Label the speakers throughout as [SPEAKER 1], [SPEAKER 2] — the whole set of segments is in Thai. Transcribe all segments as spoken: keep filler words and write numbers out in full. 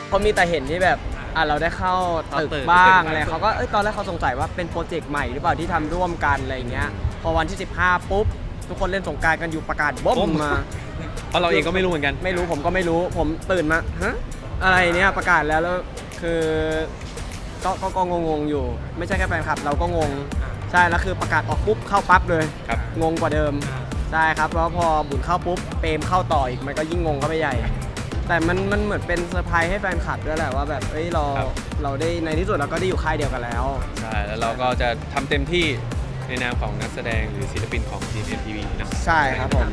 [SPEAKER 1] เขามีแต่เห็นที่แบบอ่ะเราได้เข้าตึกบ้างอะไรเขาก็เอ้ยตอนแรกเขาสงสัยว่าเป็นโปรเจกต์ใหม่หรือเปล่าที่ทำร่วมกันอะไรเงี้ยพอวันที่สิบห้าปุ๊บทุกคนเล่นสงกรานต์กันอยู่ประกาศบ๊อบมา
[SPEAKER 2] เพราะเราเองก็ไม่รู้เหมือนกัน
[SPEAKER 1] ไม่รู้ผมก็ไม่รู้ผมตื่นมาฮะอะไรเนี่ยประกาศแล้วแล้วคือก็ก็ก็งงๆอยู่ ไม่ใช่แค่แฟนคลับเราก็งงใช่แล้วคือประกาศออกปุ๊บเข้าปั๊บเลยงงกว่าเดิมใช่ครับแล้วพอบุญเข้าปุ๊บเปรมเข้าต่ออีกมันก็ยิ่งงงเข้าไปใหญ่แต่มันมันเหมือนเป็นเซอร์ไพรส์ให้แฟนคลับด้วยแหละว่าแบบเอ้ยเราเราได้ในที่สุดเราก็ได้อยู่ค่ายเดียวกันแล้ว
[SPEAKER 2] ใช่แล้วเราก็จะทำเต็มที่ในนามของนักแสดงหรือศิลปินของ จี เอ็ม ที วี นะ
[SPEAKER 1] ใช่ครับผม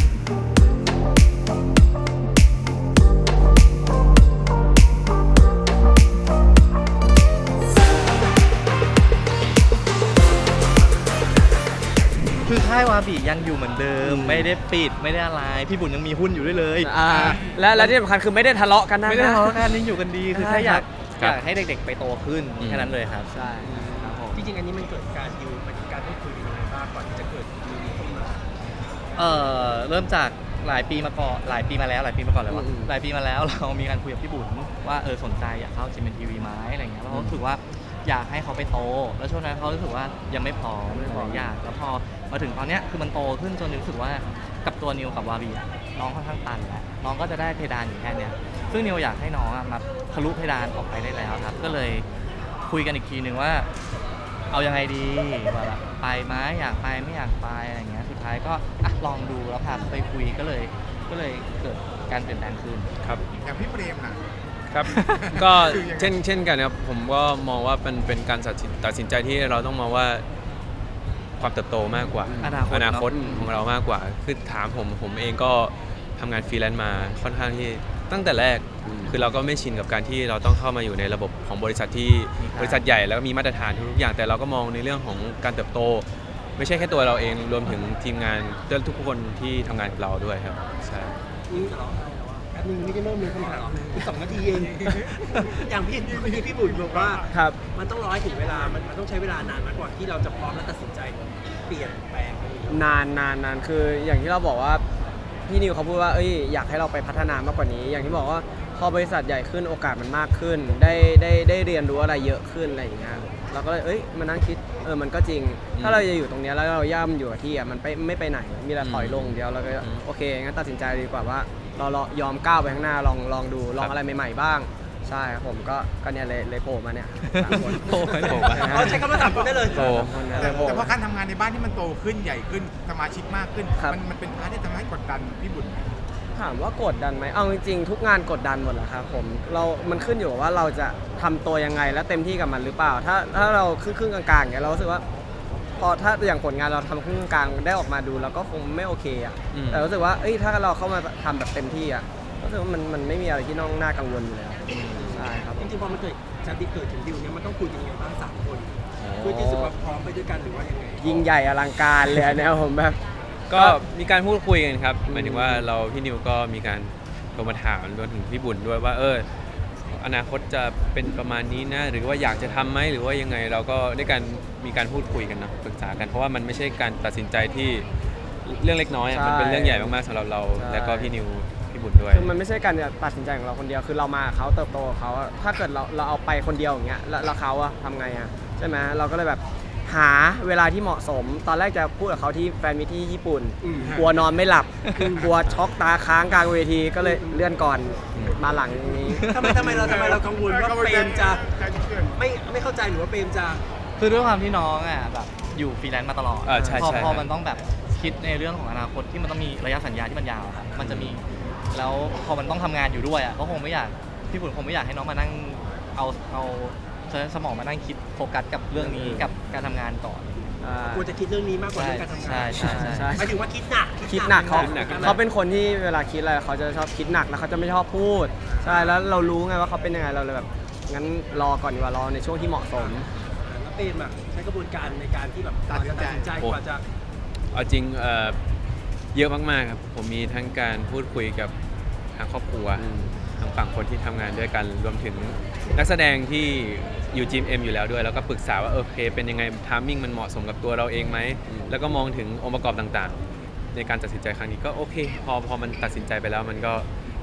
[SPEAKER 3] คือค่ายวาบิยังอยู่เหมือนเดิมไม่ได้ปิดไม่ได้อะไรพี่บุญยังมีหุ้นอยู่ด้วยเลย
[SPEAKER 1] อ่าและและที่สำคัญคือไม่ได้ทะเลาะกันนะ
[SPEAKER 3] ไม่ได้ทะเลาะกันยังอยู่กันดีคือแค่อยากอยากให้เด็กๆไปโตขึ้นแค่นั้นเลยครับ
[SPEAKER 1] ใช่ครับผม
[SPEAKER 4] จริงๆอันนี้มันเกิดการดิวมันการพูดคุยกันยังไงบ้างก่อนที่จะเกิดดิวนี้ขึ้นมา
[SPEAKER 3] เอ่อเริ่มจากหลายปีมาก่อนหลายปีมาแล้วหลายปีมาก่อนเลยว่าหลายปีมาแล้วเรามีการคุยกับพี่บุญว่าเออสนใจอยากเข้า จี เอ็ม ที วี ไหมอะไรเงี้ยแล้วเขารู้สึกว่าอยากให้เขาไปโตแล้วช่วงนั้นเขารู้สึกว่ายังไม่พร้อมหลายอย่างแล้วพอมาถึงตอนเนี้ยคือมันโตขึ้นจนรู้สึกว่ากับตัวนิวกับวาบีอะน้องค่อนข้างตันแล้วน้องก็จะได้เพดานอยู่แค่เนี้ยซึ่งนิวอยากให้น้องมาทะลุเพดานออกไปได้แล้วครับก็เลยคุยกันอีกทีนึงว่าเอายังไงดีว่าแบบไปไหมอยากไปไม่อยากไปอะไรเงี้ยสุดท้ายก็อ่ะลองดูแล้วพาไปคุยก็เลยก็เลยเกิดการเปลี่ยนแปลงขึ้น
[SPEAKER 2] ครับ
[SPEAKER 5] อย่างพี่เปรมนะ
[SPEAKER 2] ครับก็เช่นเช่นกันครับผมก็มองว่าเป็นเป็นการตัดสินใจที่เราต้องมองว่าความเติบโตมากกว่าอนาคตของเรามากกว่าคือถามผมผมเองก็ทำงานฟรีแลนซ์มาค่อนข้างที่ตั้งแต่แรกคือเราก็ไม่ชินกับการที่เราต้องเข้ามาอยู่ในระบบของบริษัทที่บริษัทใหญ่แล้วก็มีมาตรฐานทุกอย่างแต่เราก็มองในเรื่องของการเติบโตไม่ใช่แค่ตัวเราเองรวมถึงทีมงานทุกคนที่ทำงานกับเราด้วยครับใช่
[SPEAKER 4] แป๊บนึงไม่ได้เริ่มเลยคำถามอีกสองนาทีเองอย่างพี่พี่พี่บุญบอกว่า
[SPEAKER 1] ครับ
[SPEAKER 4] มันต้องรอให้ถึงเวลามันมันต้องใช้เวลานานมากกว่าที่เราจะพร้อมและตัดสินใจเปลี่ยนแปลง
[SPEAKER 1] นานนานนานคืออย่างที่เราบอกว่าพี่นิวเขาพูดว่าเอ้ยอยากให้เราไปพัฒนามากกว่านี้ อย่างที่บอกว่าพอบริษัทใหญ่ขึ้นโอกาสมันมากขึ้นได้ได้ได้เรียนรู้อะไรเยอะขึ้นอะไรอย่างเงี้ยเราก็เลยเอ้ยมานั่งคิดเออมันก็จริงถ้าเราจะอยู่ตรงนี้แล้วเราย่ำอยู่กับที่อ่ะมันไปไม่ไปไหนมีแต่ถอยลงเดียวเราก็โอเคงั้นตัดสินใจดีกว่าว่าเราเรายอมก้าวไปข้างหน้าลองลองดูลองอะไรใหม่ๆบ้างใช่ครับผมก็ก็เนี่ยเลยเลยโผล่มาเนี่ยสามคน
[SPEAKER 3] โผล่มา
[SPEAKER 4] เขาใช้คำว่าสามคนได้เลย
[SPEAKER 2] โผล่
[SPEAKER 5] แต่เพราะการทำงานในบ้านที่มันโตขึ้นใหญ่ขึ้นสมาชิกมากขึ้นมันมันเป็นพาร์ทที่ทำให้กดดันพี่บุญ
[SPEAKER 1] ถามว่ากดดันไหมเอาจริงๆทุกงานกดดันหมดแหละครับผมเรามันขึ้นอยู่กับว่าเราจะทำตัวยังไงและเต็มที่กับมันหรือเปล่าถ้าถ้าเราครึ่งๆกลางๆอย่างเงี้ยเรารู้สึกว่าพอถ้าอย่างผลงานเราทำครึ่งกลางได้ออกมาดูเราก็คงไม่โอเคอ่ะแต่รู้สึกว่าเอ้ยถ้าเราเข้ามาทำแบบเต็มที่อ่ะรู้สึกว่ามันมันไม่มีอะไรที่น้องน่ากังวลอยู่แล้วใช่ครับ
[SPEAKER 4] จริงๆพอมันเกิดจะดิเกิดถึงดิวเนี่ยมันต้องคุยกันยังไงบ้างสามคนเพื่อที่จะพร้อมไปด้วยกันหรือว่ายังไง
[SPEAKER 1] ยิ่งใหญ่อลังการเลยเนี่ยผมแบบ
[SPEAKER 2] ก็มีการพูดคุยกันครับหมายถึงว่าเราพี่นิวก็มีการโทรมาถามรวมถึงพี่บุญด้วยว่าเอออนาคตจะเป็นประมาณนี้นะหรือว่าอยากจะทำไหมหรือว่ายังไงเราก็ได้การมีการพูดคุยกันนะปรึกษากันเพราะว่ามันไม่ใช่การตัดสินใจที่เรื่องเล็กน้อยมันเป็นเรื่องใหญ่มากๆสำหรับเราและก็พี่นิวพี่บุญด้วย
[SPEAKER 1] คือมันไม่ใช่การตัดสินใจของเราคนเดียวคือเรามาเขาเติบโตเขาถ้าเกิดเราเราเอาไปคนเดียวอย่างเงี้ยแล้วเขาอะทำไงอะใช่ไหมเราก็เลยแบบหาเวลาที่เหมาะสมตอนแรกจะพูดกับเขาที่แฟนมิตที่ญี่ปุ่นกลัวนอนไม่หลับกลัวช็อกตาค้างกลางเวทีก็เลยเลื่อนก่อนมาหลังนี้
[SPEAKER 4] ทำไมทำไมเราทำไมเรากังวลว่าเปรมจะไม่ไม่เข้าใจหรือว่าเปรมจะ
[SPEAKER 3] คือด้วยความที่น้องอ่ะแบบอยู่ฟรีแลนซ์มาตลอดพอพอมันต้องแบบคิดในเรื่องของอนาคตที่มันต้องมีระยะสัญญาที่มันยาวครับมันจะมีแล้วพอมันต้องทำงานอยู่ด้วยอ่ะก็คงไม่อยากพี่บุญคงไม่อยากให้น้องมานั่งเอาเอาสมองมานั่งคิดโฟกัสกับเรื่องนี้กับการทำงานก่อน
[SPEAKER 4] ควรจะคิดเรื่องนี้มากกว่าเรื่องการทำงาน
[SPEAKER 3] ใช่ใช่ใช่
[SPEAKER 4] หมายถึงว่าคิดหนัก
[SPEAKER 1] คิดหนักเขาเขาเป็นคนที่เวลาคิดอะไรเขาจะชอบคิดหนักแล้วเขาจะไม่ชอบพูดใช่แล้วเรารู้ไงว่าเขาเป็นยังไงเราเลยแบบงั้นรอก่อนดีกว่ารอในช่วงที่เหมาะสม
[SPEAKER 4] แล้วเปรมอ่ะใช้กระบวนการในการที่แบบตัดสินใจกว่าจะ
[SPEAKER 2] เอาจริงเยอะมากๆครับผมมีทั้งการพูดคุยกับทางครอบครัวทางฝั่งคนที่ทำงานด้วยกันรวมถึงนักแสดงที่อยู่ จี เอ็ม อยู่แล้วด้วยแล้วก็ปรึกษาว่าโอเคเป็นยังไงไทมิ่งมันเหมาะสมกับตัวเราเองไหมแล้วก็มองถึงองค์ประกอบต่างๆในการตัดสินใจครั้งนี้ก็โอเคพอพอมันตัดสินใจไปแล้วมันก็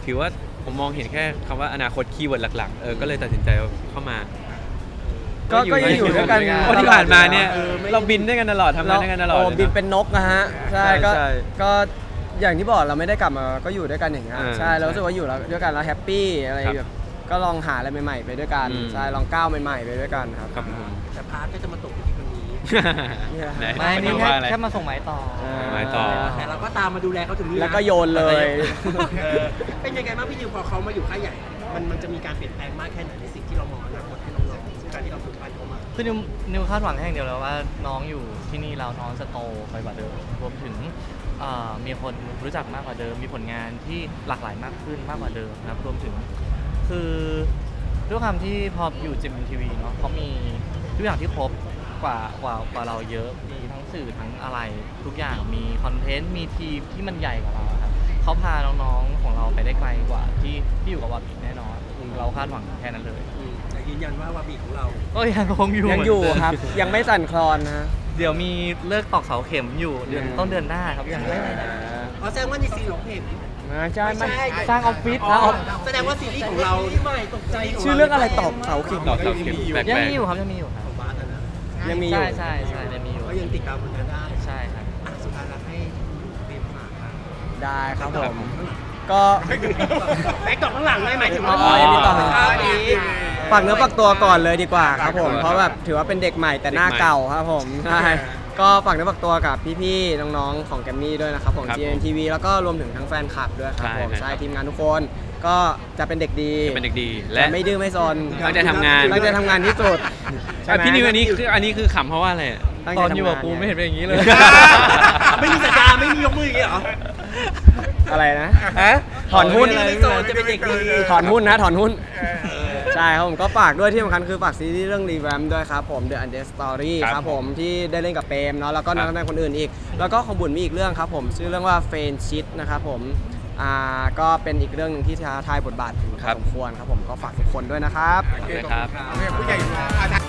[SPEAKER 2] ถือว่าผมมองเห็นแค่คำว่าอนาคตคีย์เวิร์ดหลักๆเออก็เลยตัดสินใจเข้ามา
[SPEAKER 1] ก็ก็ยังอยู่ด้วยกัน
[SPEAKER 2] เพราะที่ผ่านมาเนี่ย
[SPEAKER 1] ออไม่
[SPEAKER 2] เราบินด้วยกันตลอดทำงานด้วยกันตลอด
[SPEAKER 1] โอ้
[SPEAKER 2] เลยะ
[SPEAKER 1] บินเป็นนกนะฮะใช่
[SPEAKER 2] ใช่
[SPEAKER 1] ก็
[SPEAKER 2] ใช่
[SPEAKER 1] ก็อย่างที่บอกเราไม่ได้กลับมาก็อยู่ด้วยกันอย่างเงี้ย
[SPEAKER 2] อ่า
[SPEAKER 1] ใช่เรารู้สึกว่าอยู่แล้วด้วยกันแล้วแฮปปี้อะไร
[SPEAKER 2] ครับ
[SPEAKER 1] แบบก็ลองหาอะไรใหม่ๆไปด้วยกัน
[SPEAKER 2] อืม
[SPEAKER 1] ใช่ลองก้าวใหม่ๆไปด้วยกันครับ
[SPEAKER 2] ครับผม
[SPEAKER 4] แต่พาร์ทก็จะมาตกที่คนนี้
[SPEAKER 1] เนี่ย
[SPEAKER 2] ไหน
[SPEAKER 3] ไม่นี่
[SPEAKER 2] ห
[SPEAKER 3] แค่
[SPEAKER 2] ว่าอะไร
[SPEAKER 3] แค่มาส่งไม้ต่อ
[SPEAKER 2] ไม้ต่อ
[SPEAKER 4] แต่เราก็ตามมาดูแลเขาถึงนี่นะ
[SPEAKER 1] แล้วก็โยนเลย
[SPEAKER 4] เออเป็นยังไงบ้างพี่นิวพอเขามาอยู่ค่ายใหญ่ มันมันจะมีการเปลี่ยนแปลงมากแค่ไหนในสิ่งที่เรามองอนาคตให้น้องๆการที่เราฝึกปั้นเขามา
[SPEAKER 3] คือนิวนิวคาดหวังแค่อย่างเดียวแล้วว่าน้องอยู่ที่นี่แล้วน้องจะโตไปกว่าเดิมรวมถึงเอ่อมีคนรู้จักมากกว่าเดิม มีผลงานที่หลากหลายมากขึ้นมากกว่าเดิมนะครับรวมถึงคือด้วยความที่พออยู่จิมทีวีเนาะเขามีทุกอย่างที่ครบกว่ากว่ากว่าเราเยอะมีทั้งสื่อทั้งอะไรทุกอย่างมีคอนเทนต์มีทีมที่มันใหญ่กว่าเราครับเขาพาน้องๆของเราไปได้ไกลกว่าที่ที่อยู่กับวาบิแน่นอนเราคาดหวังแค่นั้นเลย
[SPEAKER 4] อืมแต่ยืนยันว่าวาบีของเรา
[SPEAKER 3] ก็ยังคงอยู่
[SPEAKER 1] ยังอยู่ครับ ยังไม่สั่นคลอนนะ
[SPEAKER 3] เดี๋ยวมีเลิกตอกเสาเข็มอยู่เดือนต้นเดือนหน้าครับยังไม่
[SPEAKER 4] อ๋อแสดงว่าในซีรีส์ของเห็น
[SPEAKER 1] ไม่ใช่
[SPEAKER 4] ไม่
[SPEAKER 1] ไม่
[SPEAKER 4] ใช่
[SPEAKER 3] สร้างออฟฟิศ
[SPEAKER 4] อ๋
[SPEAKER 3] นะ
[SPEAKER 4] อแสดงว่าซีรีส์ของเราใหม่ตกใจข
[SPEAKER 1] ชื่อเรื่องอะไรตอบเสาเข็ม
[SPEAKER 2] ตอกเสาเข็มแปลก
[SPEAKER 3] ยังมีอยู่ครับยังมีอยู่ครับ
[SPEAKER 4] ของบาสอะนะ
[SPEAKER 1] ยังมีอยู่
[SPEAKER 3] ใช่ใช่ใช่ยังมีอยู่
[SPEAKER 4] ก็ยังติดตามผลงานได้
[SPEAKER 3] ใช่ครับ
[SPEAKER 4] อ่ะสุดท้ายเราให้เรียนฝากครับ
[SPEAKER 1] ได้ครับผม ก็
[SPEAKER 4] แบ็คดอกข้างหลังได้หมายถึง
[SPEAKER 1] อ๋
[SPEAKER 4] ว่า
[SPEAKER 1] อยังมีต่อ
[SPEAKER 4] ครับนี้
[SPEAKER 1] ฝากเนื้อฝากตัวก่อนเลยดีกว่าครับผม เพราะแบบถือว่าเป็นเด็กใหม่แต่หน้าเก่าครับผมใช่ก็ฝากเนื้อฝากตัวกับพี่ๆน้องๆของแกมมี่ด้วยนะครับของ
[SPEAKER 2] ครับ
[SPEAKER 1] จี เอ็น ที วี แล้วก็รวมถึงทั้งแฟนคลับด้วยครับ
[SPEAKER 2] ใช่
[SPEAKER 1] ผม
[SPEAKER 2] ครับ
[SPEAKER 1] ใช่ทีมงานทุกคนก็จะเป็นเด็กดี
[SPEAKER 2] จะเป็นเด็กดีและ
[SPEAKER 1] และไม่ดื้อไม่ซน
[SPEAKER 2] ตั้งใจทำงาน
[SPEAKER 1] ตั้งใจทำงานที่สุดใช่
[SPEAKER 2] อ่ะ
[SPEAKER 1] ไหม
[SPEAKER 2] พี่นิวอันนี้คืออันนี้คือขำเพราะว่าอะไรอ่ะ
[SPEAKER 1] ตั้ง
[SPEAKER 3] ต
[SPEAKER 1] ใจ
[SPEAKER 3] อน
[SPEAKER 1] ทำงาน
[SPEAKER 3] อยู่กับกูไม่เห็นเป็นอย่างนี้เลย
[SPEAKER 4] ไม่มีสัญญาไม่มียกมืออย่างนี้เหรอ
[SPEAKER 1] อะไรนะฮะถอนหุ้น
[SPEAKER 4] ไม่โซนจะเป็นเด็กดี
[SPEAKER 1] ถอนหุ้นนะถอนหุ้น ใช่ครับผมก็ฝากด้วยที่สำคัญคือฝากซีรีส์เรื่องรีแวมด้วยครับผม The Undead Story
[SPEAKER 2] ครับ
[SPEAKER 1] ครับผมที่ได้เล่นกับเปรมเนาะแล้วก็นัก
[SPEAKER 2] ครับ
[SPEAKER 1] แสดงคนอื่นอีก แล้วก็ของบุญมีอีกเรื่องครับผม ชื่อเรื่องว่าเฟนชิดนะครับผมอ่าก็เป็นอีกเรื่องหนึ่งที่ท้าทายบทบาทอยู่พอสมควรครับผมก็ฝากทุกคนด้วยนะครับ
[SPEAKER 2] เลยครับ
[SPEAKER 5] ผู้ใหญ่